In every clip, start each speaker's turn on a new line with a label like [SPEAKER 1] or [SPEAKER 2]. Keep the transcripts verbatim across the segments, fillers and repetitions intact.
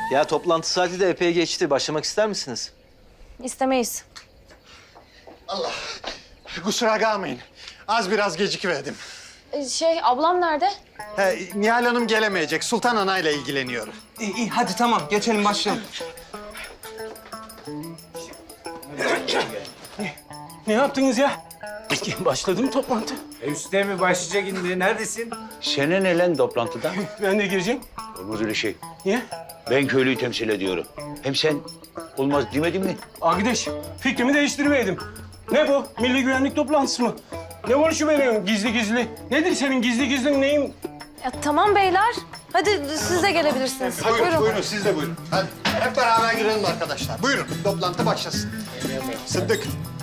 [SPEAKER 1] Ya toplantı saati de epey geçti. Başlamak ister misiniz?
[SPEAKER 2] İstemeyiz.
[SPEAKER 3] Allah. Kusura kalmayın. Az biraz gecikiverdim.
[SPEAKER 2] Ee, şey, ablam nerede?
[SPEAKER 3] He, Nihal Hanım gelemeyecek. Sultan Ana'yla ilgileniyor.
[SPEAKER 4] İyi, iyi hadi tamam geçelim başlayalım.
[SPEAKER 5] Ne yaptınız ya? Başladı mı toplantı?
[SPEAKER 6] E üstte mi başlayacak indi? Neredesin?
[SPEAKER 7] Sene ne lan toplantıda?
[SPEAKER 5] Ben de gireceğim.
[SPEAKER 7] Olmaz öyle şey.
[SPEAKER 5] Niye?
[SPEAKER 7] Ben köylüyü temsil ediyorum. Hem sen olmaz demedin mi?
[SPEAKER 5] Arkadaş, fikrimi değiştirmeydim. Ne bu? Milli güvenlik toplantısı mı? Ne konuşuyorsun gizli gizli? Nedir senin gizli gizli neyin?
[SPEAKER 2] Ya, tamam beyler. Hadi siz de gelebilirsiniz.
[SPEAKER 3] Buyurun,
[SPEAKER 2] Buyurun.
[SPEAKER 3] buyurun. Siz de buyurun. Hadi hep beraber girelim arkadaşlar. Buyurun, toplantı başlasın. Sıddık.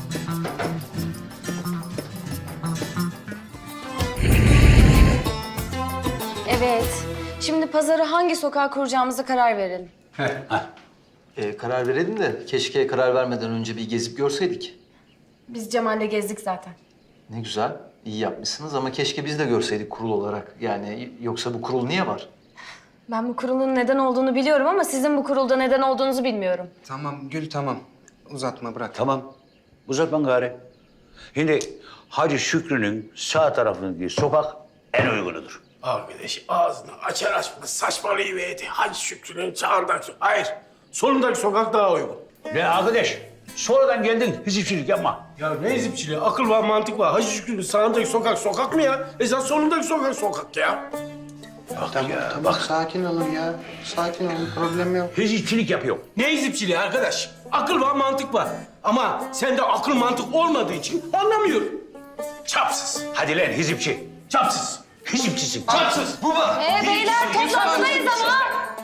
[SPEAKER 2] Evet. Şimdi pazarı hangi sokağa kuracağımıza karar verelim.
[SPEAKER 1] Ee, karar verelim de keşke karar vermeden önce bir gezip görseydik.
[SPEAKER 2] Biz Cemal'le gezdik zaten.
[SPEAKER 1] Ne güzel, iyi yapmışsınız ama keşke biz de görseydik kurul olarak. Yani yoksa bu kurul niye var?
[SPEAKER 2] Ben bu kurulun neden olduğunu biliyorum ama sizin bu kurulda neden olduğunuzu bilmiyorum.
[SPEAKER 4] Tamam Gül tamam. Uzatma bırak.
[SPEAKER 7] Tamam. Uzatma gari. Şimdi Hacı Şükrü'nün sağ tarafındaki sokak en uygunudur.
[SPEAKER 5] Arkadaş ağzını açar açmaz saçmalayıverdi. Hacı Şükrü'nün sağındaki... Hayır, solundaki sokak daha uygun.
[SPEAKER 7] Ne arkadaş? Sonradan geldin, hizipçilik yapma.
[SPEAKER 5] Ya ne ezipçiliği? Akıl var, mantık var. Hacı Şükrü'nün sağındaki sokak sokak mı ya? Esas solundaki sokak sokak ya.
[SPEAKER 7] Bak ya,
[SPEAKER 3] Tamam,
[SPEAKER 7] bak.
[SPEAKER 3] sakin olun ya. Sakin olun, problem yok.
[SPEAKER 7] Hizipçilik yapıyor.
[SPEAKER 5] Ne ezipçiliği arkadaş? Akıl var, mantık var. Ama sende akıl mantık olmadığı için anlamıyorum. Çapsız,
[SPEAKER 7] Hadi lan hizipçi.
[SPEAKER 5] çapsız,
[SPEAKER 7] Hizipçisin.
[SPEAKER 5] çapsız.
[SPEAKER 2] Ee beyler toplantıdayız ama.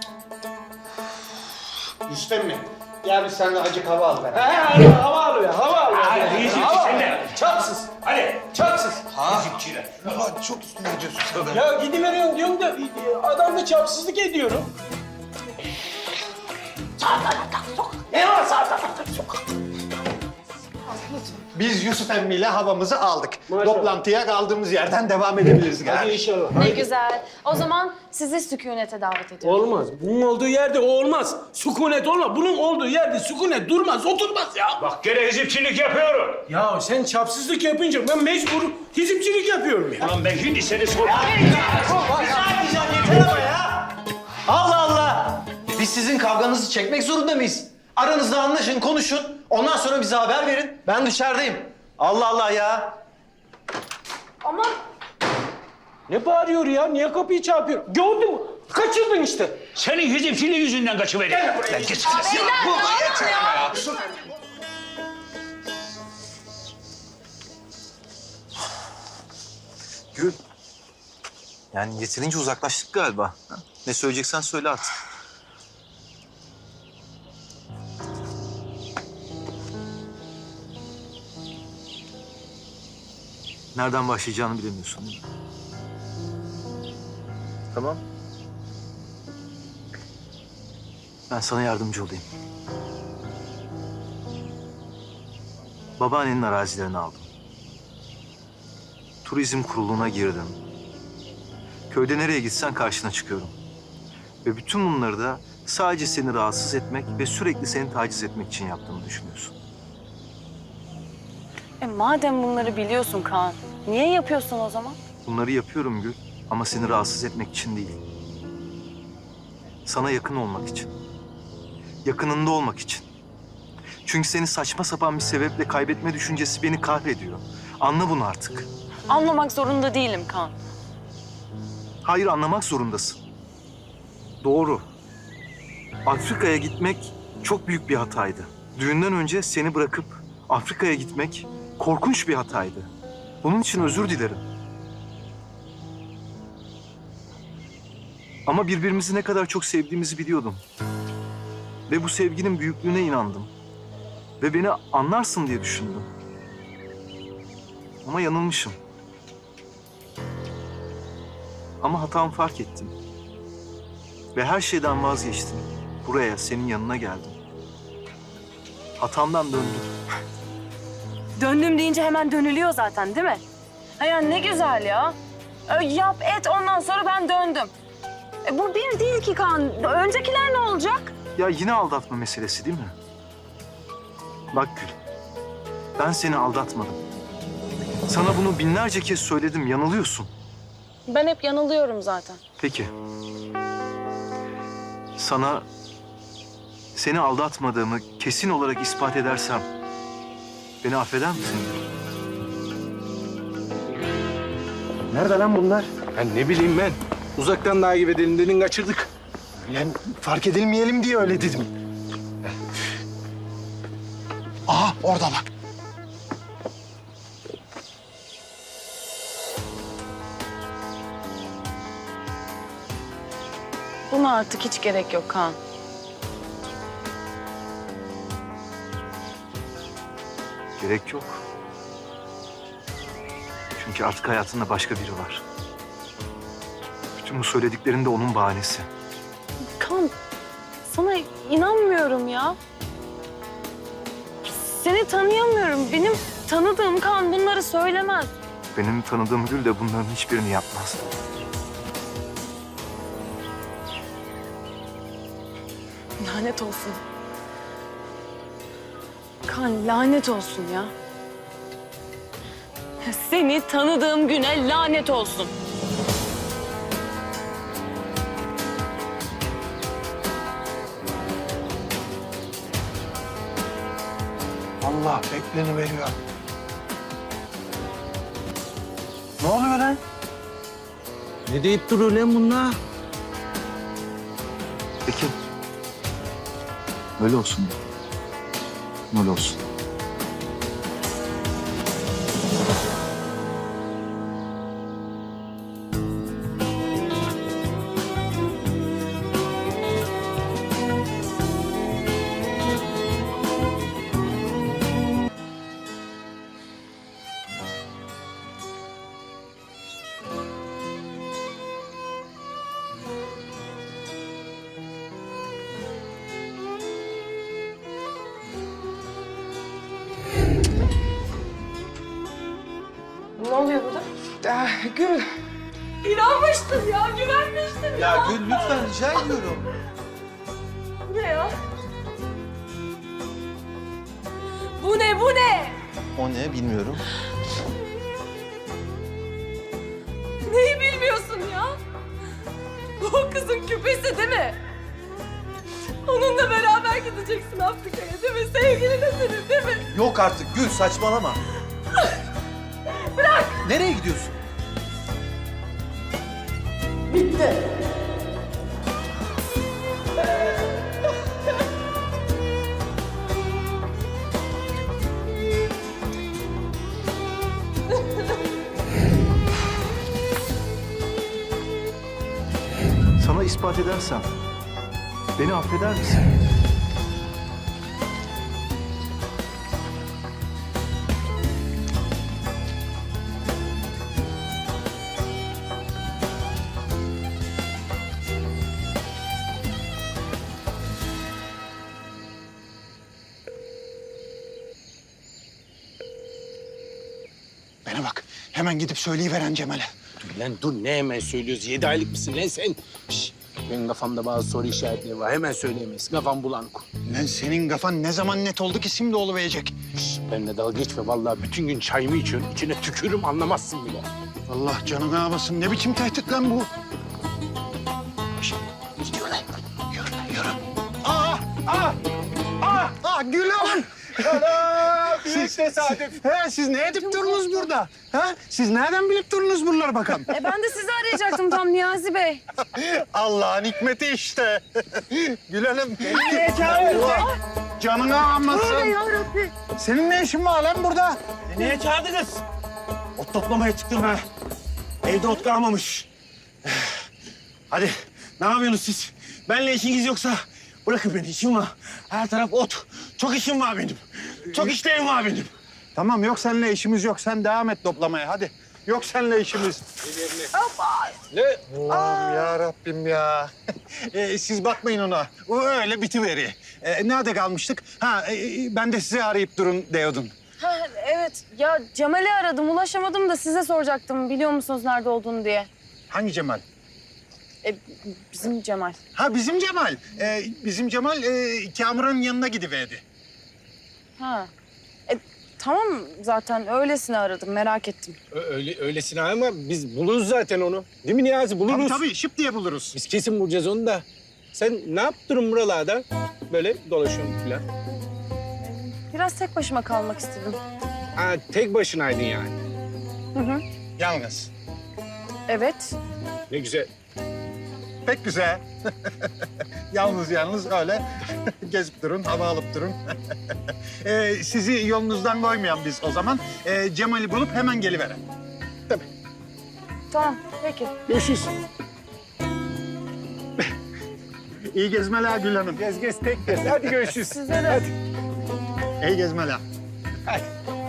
[SPEAKER 3] Rüstem mi? Gel biz seninle acık hava al be.
[SPEAKER 5] He, hadi hava alıyor, hava alıyor.
[SPEAKER 7] Hadi hizipçi
[SPEAKER 5] Hava
[SPEAKER 7] sen
[SPEAKER 5] alıyor.
[SPEAKER 7] de.
[SPEAKER 5] Çapsız,
[SPEAKER 7] Hadi.
[SPEAKER 5] çapsız.
[SPEAKER 7] Hizipçiler.
[SPEAKER 4] Ama çok üstüne gidiyorsun sen.
[SPEAKER 5] Ya gidiveriyorum diyorum da e, adam da çapsızlık ediyorum. Sağ taraftan sokak. Ne var sağ taraftan sokak?
[SPEAKER 3] Biz Yusuf emmiyle havamızı aldık.
[SPEAKER 5] Maşallah.
[SPEAKER 3] Toplantıya kaldığımız yerden devam edebiliriz
[SPEAKER 5] Hadi
[SPEAKER 3] galiba.
[SPEAKER 5] inşallah.
[SPEAKER 2] Ne güzel. O zaman sizi sükunete davet ediyorum.
[SPEAKER 5] Olmaz. Bunun olduğu yerde o olmaz. Sükunet olmaz. Bunun olduğu yerde sükunet durmaz, oturmaz ya.
[SPEAKER 7] Bak gene hizipçilik yapıyorum.
[SPEAKER 5] Ya sen çapsızlık yapınca ben mecbur hizipçilik yapıyorum ya.
[SPEAKER 7] Ulan ben şimdi seni sor.
[SPEAKER 1] Allah Allah! Biz sizin kavganızı çekmek zorunda mıyız? Aranızda anlaşın, konuşun. Ondan sonra bize haber verin. Ben dışarıdayım. Allah Allah ya!
[SPEAKER 2] Ama
[SPEAKER 5] Ne bağırıyor ya? Niye kapıyı çarpıyor? Gördün mü? Kaçırdın işte.
[SPEAKER 7] Senin hizipçiliğin yüzünden kaçıverdim. Lan git.
[SPEAKER 1] Gül. Yani yeterince uzaklaştık galiba. Ha? Ne söyleyeceksen söyle artık. Nereden başlayacağını bilemiyorsun değil mi? Tamam. Ben sana yardımcı olayım. Babaannenin arazilerini aldım. Turizm kuruluna girdim. Köyde nereye gitsen karşına çıkıyorum. Ve bütün bunları da sadece seni rahatsız etmek ve sürekli seni taciz etmek için yaptığımı düşünüyorsun.
[SPEAKER 2] e, madem bunları biliyorsun Kaan, niye yapıyorsun o zaman?
[SPEAKER 1] Bunları yapıyorum Gül ama seni rahatsız etmek için değil. Sana yakın olmak için. Yakınında olmak için. Çünkü seni saçma sapan bir sebeple kaybetme düşüncesi beni kahrediyor. Anla bunu artık.
[SPEAKER 2] Anlamak zorunda değilim Kaan.
[SPEAKER 1] Hayır, anlamak zorundasın. Doğru. Afrika'ya gitmek çok büyük bir hataydı. Düğünden önce seni bırakıp Afrika'ya gitmek korkunç bir hataydı. Bunun için özür dilerim. Ama birbirimizi ne kadar çok sevdiğimizi biliyordum. Ve bu sevginin büyüklüğüne inandım. Ve beni anlarsın diye düşündüm. Ama yanılmışım. Ama hatamı fark ettim. Ve her şeyden vazgeçtim. Buraya, senin yanına geldim. Hatamdan döndüm.
[SPEAKER 2] Döndüm deyince hemen dönülüyor zaten değil mi? Ha ya ne güzel ya. Ö, yap et ondan sonra ben döndüm. E, bu bir değil ki Kaan. Öncekiler ne olacak?
[SPEAKER 1] Ya yine aldatma meselesi değil mi? Bak Gül, ben seni aldatmadım. Sana bunu binlerce kez söyledim, yanılıyorsun.
[SPEAKER 2] Ben hep yanılıyorum zaten.
[SPEAKER 1] Peki. Sana seni aldatmadığımı kesin olarak ispat edersem beni affeder misin?
[SPEAKER 5] Nerede lan bunlar? Ben ne bileyim ben. Uzaktan takip edelim dedin kaçırdık.
[SPEAKER 3] Lan fark edilmeyelim diye öyle dedim. Aha orada bak.
[SPEAKER 2] Buna artık hiç gerek yok Kaan.
[SPEAKER 1] Gerek yok. Çünkü artık hayatında başka biri var. Bütün bu söylediklerin de onun bahanesi.
[SPEAKER 2] Kaan, sana inanmıyorum ya. Seni tanıyamıyorum. Benim tanıdığım Kaan bunları söylemez.
[SPEAKER 1] Benim tanıdığım Gül de bunların hiçbirini yapmaz.
[SPEAKER 2] Lanet olsun. Kaan lanet olsun ya. Seni tanıdığım güne lanet olsun.
[SPEAKER 3] Allah bekleni veriyor. Ne oluyor lan?
[SPEAKER 5] Ne deyip duruyor lan bunlar?
[SPEAKER 1] Peki. Öyle olsun. Öyle olsun.
[SPEAKER 2] Ne oluyor burada?
[SPEAKER 4] Ah, Gül.
[SPEAKER 2] İnanmıştım ya, güvenmiştim ya.
[SPEAKER 3] Ya Gül lütfen rica ediyorum.
[SPEAKER 2] Bu ne ya? Bu ne, bu ne?
[SPEAKER 3] O ne bilmiyorum.
[SPEAKER 2] Neyi bilmiyorsun ya? Bu o kızın küpesi değil mi? Onunla beraber gideceksin Afrika'ya değil mi? Sevgilin senin değil mi?
[SPEAKER 3] Yok artık Gül saçmalama.
[SPEAKER 2] Bırak!
[SPEAKER 3] Nereye gidiyorsun?
[SPEAKER 2] Bitti.
[SPEAKER 1] Sana ispat edersem beni affeder misin?
[SPEAKER 3] Bana bak hemen gidip söyleyiveren Cemal'e.
[SPEAKER 5] Dur lan dur ne hemen söylüyoruz? Yedi aylık mısın lan sen? Şş, benim kafamda bazı soru işaretleri var. Hemen söyleyemeyiz. Kafam bulanık.
[SPEAKER 3] Lan senin kafan ne zaman net oldu ki şimdi oluverecek?
[SPEAKER 5] Şş, benimle dalga geçme. Vallahi bütün gün çayımı içiyorsun. İçine tükürürüm anlamazsın bile.
[SPEAKER 3] Allah canını almasın. Ne biçim tehdit lan bu?
[SPEAKER 5] Yürü lan.
[SPEAKER 3] Yürü, yürü. Aa, aa, aa, aa Gül Hanım. Ana, büyük tesadüf. He, siz ne edip durunuz burada? Ha? Siz nereden bilip durunuz buraları bakalım?
[SPEAKER 2] E ben de sizi arayacaktım tam Niyazi Bey.
[SPEAKER 3] Allah'ın hikmeti işte. Gül Hanım. Allah canını almasın.
[SPEAKER 2] Yarabbim.
[SPEAKER 3] Senin ne işin var lan burada?
[SPEAKER 8] Niye çağırdınız? Ot toplamaya çıktım ha. Evde ot kalmamış. Hadi ne yapıyorsunuz siz? Benimle işiniz yoksa bırakın beni, işim var. Her taraf ot. Çok işim var benim. Çok işlerim var benim.
[SPEAKER 3] Tamam yok seninle işimiz yok. Sen devam et toplamaya hadi. Yok seninle işimiz.
[SPEAKER 5] Ne?
[SPEAKER 3] Allah'ım ya Rabbim ya. Ee, siz bakmayın ona. O öyle bitiveri. Ee, nerede kalmıştık? Ha e, ben de sizi arayıp durun diyordun.
[SPEAKER 2] Ha, evet ya Cemal'i aradım ulaşamadım da size soracaktım biliyor musunuz nerede olduğunu diye.
[SPEAKER 3] Hangi Cemal?
[SPEAKER 2] E, bizim Cemal.
[SPEAKER 3] Ha bizim Cemal. Ee, bizim Cemal e, Kamuran'ın yanına gidiverdi.
[SPEAKER 2] Ha. E, tamam zaten öylesine aradım merak ettim.
[SPEAKER 5] Öyle, öylesine ama biz buluruz zaten onu. Değil mi Niyazi? Buluruz.
[SPEAKER 3] Tabii tabii şıp diye buluruz.
[SPEAKER 5] Biz kesin bulacağız onu da. Sen ne yaptın buralarda? Böyle dolaşıyorsun falan.
[SPEAKER 2] Biraz tek başıma kalmak istedim.
[SPEAKER 5] Ha, tek başınaydın yani.
[SPEAKER 2] Hı hı.
[SPEAKER 3] Yalnız.
[SPEAKER 2] Evet.
[SPEAKER 5] Ne güzel.
[SPEAKER 3] Pek güzel. yalnız yalnız öyle gezip durun, hava alıp durun. ee, sizi yolunuzdan koymayan biz o zaman. Ee, Cemal'i bulup hemen geliveren.
[SPEAKER 2] Tamam peki.
[SPEAKER 5] Görüşürüz.
[SPEAKER 3] İyi gezmeler Gül Hanım.
[SPEAKER 5] Gez gez tek gez. Hadi görüşürüz.
[SPEAKER 2] Size de.
[SPEAKER 3] İyi gezmeler.
[SPEAKER 5] Hadi.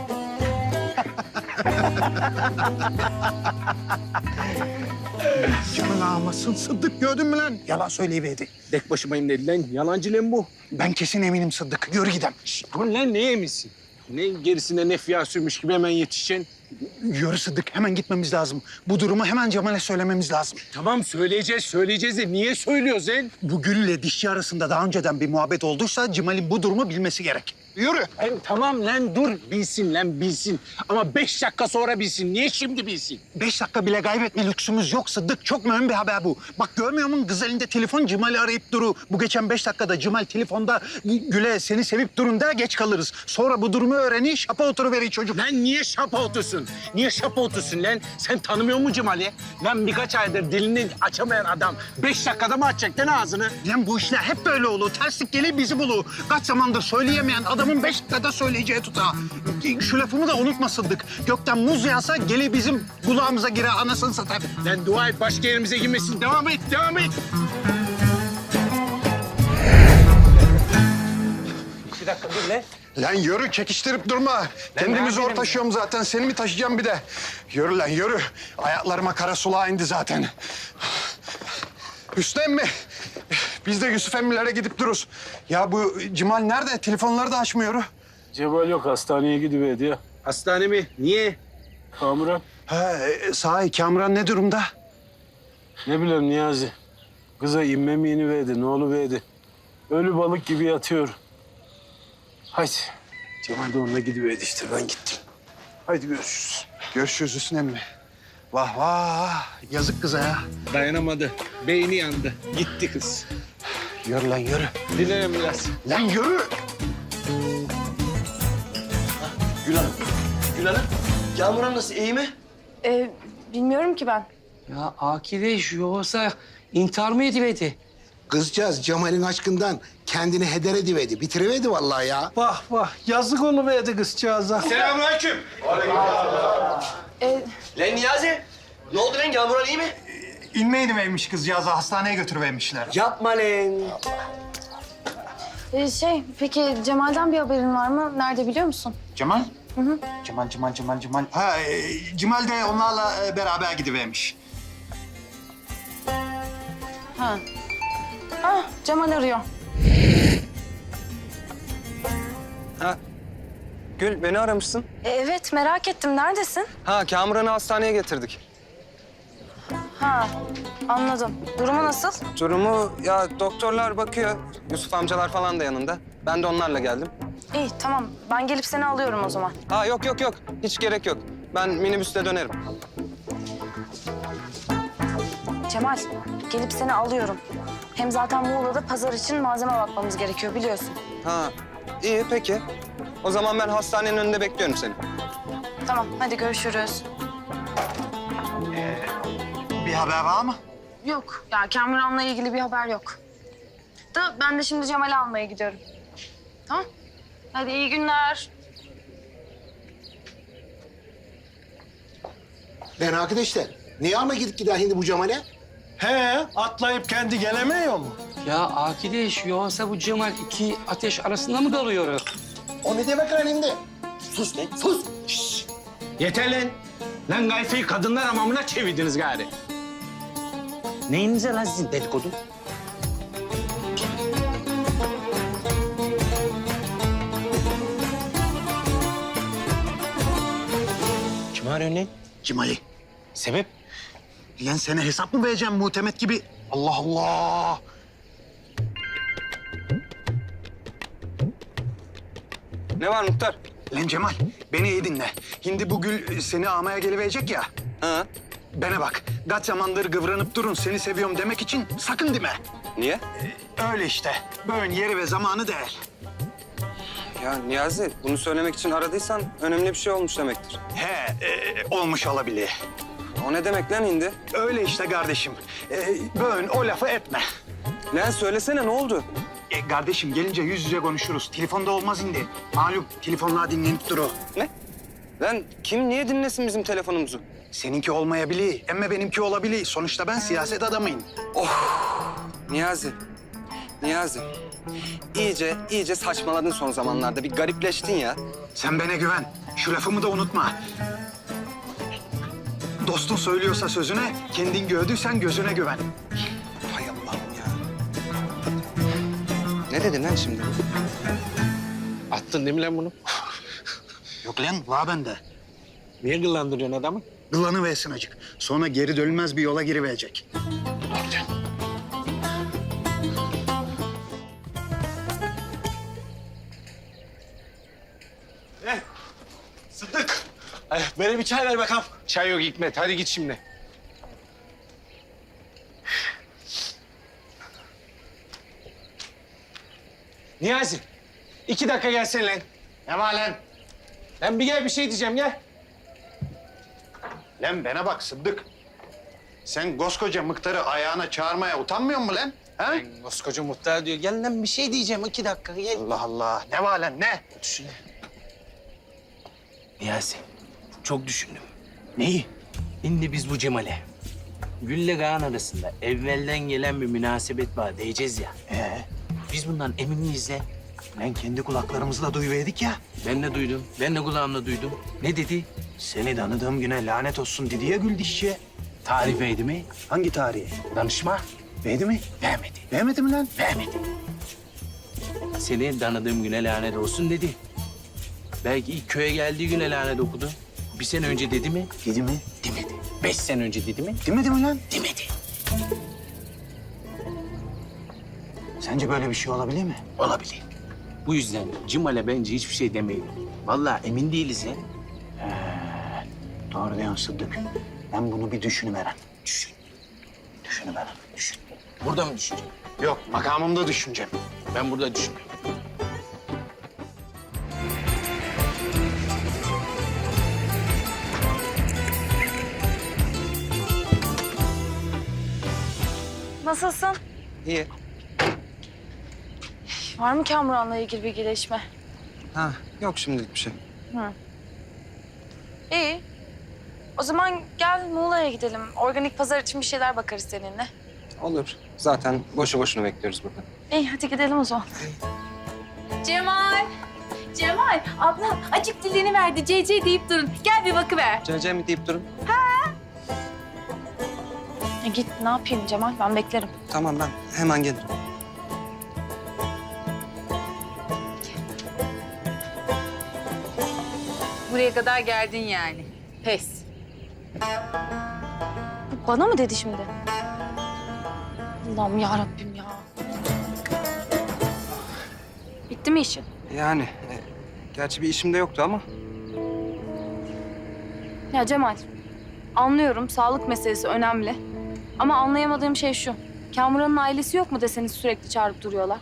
[SPEAKER 3] Cemal ağamasın Sıddık gördün mü lan? Yalan söyleyiverdi.
[SPEAKER 5] Tek başımayım dedi lan. Yalancı lan bu.
[SPEAKER 3] Ben kesin eminim Sıddık. Yürü gidelim.
[SPEAKER 5] Dur lan ne yemişsin? Ne gerisinde ne fiyat sürmüş gibi hemen yetişeceksin.
[SPEAKER 3] Yürü Sıddık. Hemen gitmemiz lazım. Bu durumu hemen Cemal'e söylememiz lazım.
[SPEAKER 5] Tamam söyleyeceğiz söyleyeceğiz de niye söylüyoruz lan?
[SPEAKER 3] Bu Gül ile dişçi arasında daha önceden bir muhabbet olduysa Cemal'in bu durumu bilmesi gerek. Yürü.
[SPEAKER 5] Lan tamam lan dur bilsin lan bilsin. Ama beş dakika sonra bilsin. Niye şimdi bilsin?
[SPEAKER 3] Beş dakika bile kaybetme lüksümüz yok Sıddık. Çok mühim bir haber bu. Bak görmüyor musun kız elinde telefon Cemal'i arayıp duru. Bu geçen beş dakikada Cemal telefonda Gül'e seni sevip durun der geç kalırız. Sonra bu durumu öğrenir şapa oturuveriyor çocuk.
[SPEAKER 5] Lan niye şapa otursun? Niye şapa otursun lan? Sen tanımıyor musun Cemal'i? Lan birkaç aydır dilini açamayan adam beş dakikada mı açacak lan ağzını?
[SPEAKER 3] Lan bu işler hep böyle olur. Terslik gelir bizi bulur. Kaç zamandır söyleyemeyen adamın beş dakikada söyleyeceği tutar. Şu lafımı da unutma Sıddık. Gökten muz yağsa gelir bizim kulağımıza girer anasını satar.
[SPEAKER 5] Lan dua et başka yerimize girmesin. Devam et, devam et. Bir dakika dur lan.
[SPEAKER 3] Lan yürü çekiştirip durma. Kendimi zor taşıyorum zaten. Seni mi taşıyacağım bir de? Yürü lan yürü. Ayaklarıma kara sulağa indi zaten. Hüsnü emmi. Biz de Yusuf emmilere gidip dururuz. Ya bu Cemal nerede? Telefonları da açmıyor.
[SPEAKER 5] Cemal yok hastaneye gidiverdi ya. Hastane mi? Niye? Kamuran.
[SPEAKER 3] Ha, e, sahi Kamuran ne durumda?
[SPEAKER 5] Ne bileyim Niyazi. Kıza inme mi iniverdi, ne oluverdi? Ölü balık gibi yatıyor. Haydi. Cemal de onunla gidiverdi işte ben gittim. Haydi görüşürüz.
[SPEAKER 3] Görüşürüz Hüsnü emmi. Vah vah. Yazık kıza ya.
[SPEAKER 5] Dayanamadı. Beyni yandı. Gitti kız.
[SPEAKER 3] Yürü lan yürü.
[SPEAKER 5] Dilerim biraz.
[SPEAKER 3] Lan yürü.
[SPEAKER 9] Gül Hanım. Gül Hanım. Kamuran nasıl? İyi mi?
[SPEAKER 2] E, bilmiyorum ki ben.
[SPEAKER 10] Ya Akideş yoksa intihar mı ediverdi?
[SPEAKER 11] Kızcağız Cemal'in aşkından kendini heder ediverdi. Bitiriverdi vallahi ya.
[SPEAKER 5] Vah vah. Yazık oluverdi kızcağıza.
[SPEAKER 6] Selamünaleyküm.
[SPEAKER 2] E,
[SPEAKER 9] Lan Niyazi. Ne oldu lan? Kamuran iyi mi?
[SPEAKER 3] İnmeydi vermiş kızcağızı hastaneye götürüvermişler.
[SPEAKER 9] Yapma lan.
[SPEAKER 2] e, şey peki Cemal'den bir haberin var mı? Nerede biliyor musun?
[SPEAKER 3] Cemal?
[SPEAKER 2] Hı hı.
[SPEAKER 3] Cemal, Cemal, Cemal, Cemal. Ha, e, Cemal de onlarla e, beraber gidivermiş.
[SPEAKER 2] Ha. Ah Cemal arıyor.
[SPEAKER 4] Ha. Gül beni aramışsın.
[SPEAKER 2] E, evet merak ettim neredesin?
[SPEAKER 4] Ha Kamuran'ı hastaneye getirdik.
[SPEAKER 2] Ha anladım. Durumu nasıl?
[SPEAKER 4] Durumu ya doktorlar bakıyor. Yusuf amcalar falan da yanında. Ben de onlarla geldim.
[SPEAKER 2] İyi tamam ben gelip seni alıyorum o zaman.
[SPEAKER 4] Ha yok yok yok. Hiç gerek yok. Ben minibüste dönerim.
[SPEAKER 2] Cemal gelip seni alıyorum. Hem zaten Muğla'da pazar için malzeme bakmamız gerekiyor biliyorsun.
[SPEAKER 4] Ha iyi peki. O zaman ben hastanenin önünde bekliyorum seni.
[SPEAKER 2] Tamam hadi görüşürüz.
[SPEAKER 3] Bir haber var mı?
[SPEAKER 2] Yok ya Kamuran'la ilgili bir haber yok. Da ben de şimdi Cemal'i almaya gidiyorum. Tamam. Hadi iyi günler.
[SPEAKER 11] Ben arkadaşlar, niye ama gidip gider şimdi bu Cemal'e?
[SPEAKER 8] He, atlayıp kendi gelemiyor mu?
[SPEAKER 10] Ya Akideş yoksa bu Cemal iki ateş arasında mı kalıyor?
[SPEAKER 11] O ne demek lan şimdi? Sus lan, sus. Şşş.
[SPEAKER 5] Yeter lan. Lan gayfeyi kadınlar hamamına çevirdiniz gari. Neyinize lan sizin dedikodu? Kim arıyor lan?
[SPEAKER 3] Cemal'i.
[SPEAKER 5] Sebep?
[SPEAKER 3] Lan sana hesap mı vereceğim muhtemet gibi? Allah Allah.
[SPEAKER 4] Ne var muhtar?
[SPEAKER 3] Lan Cemal, beni iyi dinle. Şimdi bu gül seni almaya geliverecek ya.
[SPEAKER 4] Ha?
[SPEAKER 3] Bana bak, kaç zamandır kıvranıp durun seni seviyorum demek için sakın deme.
[SPEAKER 4] Niye?
[SPEAKER 3] Öyle işte. Böyle yeri ve zamanı değil.
[SPEAKER 4] Ya Niyazi, bunu söylemek için aradıysan önemli bir şey olmuş demektir.
[SPEAKER 3] He, e, olmuş olabilir.
[SPEAKER 4] O ne demek lan indi?
[SPEAKER 3] Öyle işte kardeşim. E, böyle o lafı etme.
[SPEAKER 4] Lan söylesene ne oldu?
[SPEAKER 3] E, kardeşim gelince yüz yüze konuşuruz. Telefonda olmaz indi. Malum telefonlar dinlenip duru.
[SPEAKER 4] Ne? Lan kim niye dinlesin bizim telefonumuzu?
[SPEAKER 3] Seninki olmayabilir ama benimki olabilir. Sonuçta ben siyaset adamıyım.
[SPEAKER 4] Niyazi, Niyazi. İyice, iyice saçmaladın son zamanlarda. Bir garipleştin ya.
[SPEAKER 3] Sen bana güven. Şu lafımı da unutma. Dostun söylüyorsa sözüne, kendin gördüysen gözüne güven.
[SPEAKER 4] Hay Allah'ım ya. Ne dedin lan şimdi?
[SPEAKER 8] Attın değil mi lan bunu?
[SPEAKER 3] Yok lan, var bende.
[SPEAKER 8] Niye gıllandırıyorsun adamı?
[SPEAKER 3] Gılanı versin acık. Sonra geri dönülmez bir yola giriverecek.
[SPEAKER 8] Sıddık. Ay, bana bir çay ver bakalım. Çay yok Hikmet. Hadi git şimdi. Niyazi. iki dakika gelsene lan.
[SPEAKER 3] Ne var lan?
[SPEAKER 8] Lan bir gel bir şey diyeceğim gel.
[SPEAKER 3] Lan bana bak Sıddık. Sen koskoca mıhtarı ayağına çağırmaya utanmıyor musun lan? Ha?
[SPEAKER 8] Lan koskoca muhtar diyor. Gel lan bir şey diyeceğim. iki dakika gel.
[SPEAKER 3] Allah Allah. Ne var lan ne?
[SPEAKER 8] Düşün. Niyazi. Çok düşündüm.
[SPEAKER 3] Neyi?
[SPEAKER 8] Şimdi biz bu Cemal'e Gül'le Kaan arasında evvelden gelen bir münasebet var diyeceğiz ya.
[SPEAKER 3] Ee,
[SPEAKER 8] Biz bundan emin miyiz lan?
[SPEAKER 3] ben kendi kulaklarımızla duyuverdik ya.
[SPEAKER 8] Ben de duydum. Ben de kulağımla duydum. Ne dedi?
[SPEAKER 3] Seni tanıdığım güne lanet olsun dedi ya Gül dişçiye.
[SPEAKER 8] Tarif eydi mi?
[SPEAKER 3] Hangi tarihi?
[SPEAKER 8] Danışma.
[SPEAKER 3] Verdi mi?
[SPEAKER 8] Vermedi.
[SPEAKER 3] Vermedi mi lan?
[SPEAKER 8] Vermedi. Seni tanıdığım güne lanet olsun dedi. Belki ilk köye geldiği güne lanet okudu. Bir sene önce dedi mi?
[SPEAKER 3] Dedi mi?
[SPEAKER 8] Demedi. Beş sene önce dedi mi?
[SPEAKER 3] Demedi mi lan?
[SPEAKER 8] Demedi.
[SPEAKER 3] Sence böyle bir şey olabilir mi?
[SPEAKER 8] Olabilir. Bu yüzden Cemal'e bence hiçbir şey demeyin. Vallahi emin değiliz ya.
[SPEAKER 3] Doğru diyorsun Sıddık. Ben bunu bir düşünüveren.
[SPEAKER 8] Düşün.
[SPEAKER 3] Düşünüveren.
[SPEAKER 8] Düşün. Burada mı düşüneceğim?
[SPEAKER 3] Yok, makamımda düşüneceğim.
[SPEAKER 8] Ben burada düşünüyorum.
[SPEAKER 2] Nasılsın?
[SPEAKER 4] İyi.
[SPEAKER 2] Var mı Kamuran'la ilgili bir gelişme?
[SPEAKER 4] Ha, yok şimdilik bir şey.
[SPEAKER 2] İyi. O zaman gel Muğla'ya gidelim. Organik pazar için bir şeyler bakarız seninle.
[SPEAKER 4] Olur. Zaten boşu boşuna bekliyoruz burada.
[SPEAKER 2] İyi hadi gidelim o zaman.
[SPEAKER 12] Cemal. Cemal, ablam acık dilini verdi. C C deyip durun. Gel bir bakıver.
[SPEAKER 4] C mi deyip durun?
[SPEAKER 2] E git ne yapayım Cemal ben beklerim.
[SPEAKER 4] Tamam ben hemen gelirim.
[SPEAKER 12] Buraya kadar geldin yani. Pes.
[SPEAKER 2] Bana mı dedi şimdi? Allah'ım ya Rabbim ya. Bitti mi işin?
[SPEAKER 4] Yani e, gerçi bir işim de yoktu ama.
[SPEAKER 2] Ya Cemal, anlıyorum sağlık meselesi önemli. Ama anlayamadığım şey şu. Kamuran'ın ailesi yok mu deseniz sürekli çağırıp duruyorlar.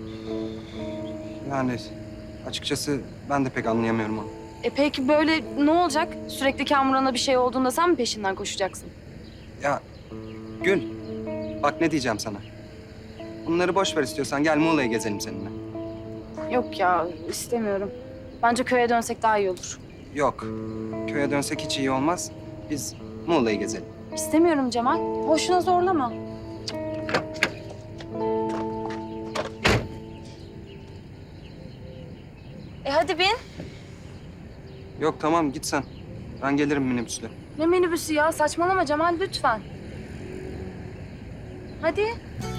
[SPEAKER 4] Yani açıkçası ben de pek anlayamıyorum onu.
[SPEAKER 2] E peki böyle ne olacak? Sürekli Kamuran'a bir şey olduğunda sen mi peşinden koşacaksın?
[SPEAKER 4] Ya Gül, bak ne diyeceğim sana. Bunları boş ver istiyorsan gel Muğla'ya gezelim seninle.
[SPEAKER 2] Yok ya istemiyorum. Bence köye dönsek daha iyi olur.
[SPEAKER 4] Yok, köye dönsek hiç iyi olmaz. Biz Muğla'yı gezelim.
[SPEAKER 2] İstemiyorum Cemal. Boşuna zorlama. E hadi bin.
[SPEAKER 4] Yok tamam git sen. Ben gelirim minibüsle.
[SPEAKER 2] Ne minibüsü ya? Saçmalama Cemal lütfen. Hadi.